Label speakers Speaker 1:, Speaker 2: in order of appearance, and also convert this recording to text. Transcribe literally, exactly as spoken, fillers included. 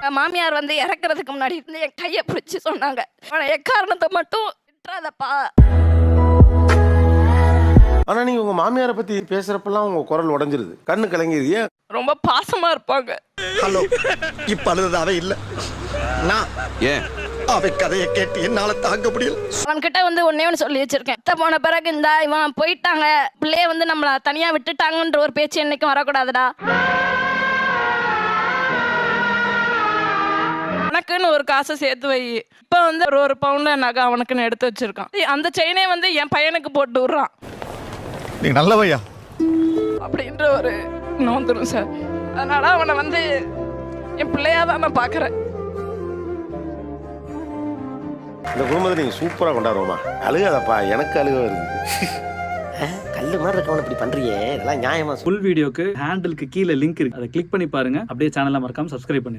Speaker 1: மாமியார் வந்து இறக்குறதுக்கு முன்னாடி இருந்து என் கையை பிடிச்சி சொன்னாங்க, எக்காரணத்தை மட்டும் விட்டுறாதப்பா.
Speaker 2: ஆனா நீங்க உங்க மாமியாரை பத்தி பேசுறப்பெல்லாம் உங்க குரல் உடைஞ்சிருது, கண்ணு கலங்கிருது. ஏன்?
Speaker 1: ரொம்ப பாசமா இருப்பாங்க.
Speaker 3: ஹலோ, இப்ப அழுதாவே இல்ல, நான்
Speaker 4: ஏன்
Speaker 3: அவ கதையை கேட்டு என்னால தாங்க முடியல.
Speaker 1: அவன்கிட்ட வந்து ஒன்னே ஒன்று சொல்லி வச்சிருக்கேன், அத்தை போன பிறகு இந்த இவன் போயிட்டாங்க, பிள்ளைய வந்து நம்மள தனியா விட்டுட்டாங்கன்ற ஒரு பேச்சு என்னைக்கும் வரக்கூடாதுடா. உனக்குன்னு ஒரு காசை சேர்த்து வை. இப்ப வந்து ஒரு ஒரு பவுண்ட நகை அவனுக்குன்னு எடுத்து வச்சிருக்கான். அந்த செயினே வந்து என் பையனுக்கு போட்டு விடுறான்.
Speaker 3: நீ நல்லவையா
Speaker 1: அப்படின்ற ஒரு நோந்துரும் சார். அதனால அவனை வந்து என் பிள்ளையா தான் நான் பாக்குறேன்.
Speaker 2: இந்த குடும்பத்தை நீங்க சூப்பரா கொண்டாடுவோமா? அழுகாதப்பா, எனக்கு அழுக வருது.
Speaker 5: கல்லு மாதிரி இருக்கவன இப்படி பண்றியே, இதெல்லாம் நியாயமா?
Speaker 6: ஃபுல் வீடியோக்கு ஹேண்டிலுக்கு கீழே லிங்க் இருக்கு, அதை கிளிக் பண்ணி பாருங்க. அப்படியே சேனலை மறக்காம சப்ஸ்கிரைப் பண்ணுங்க.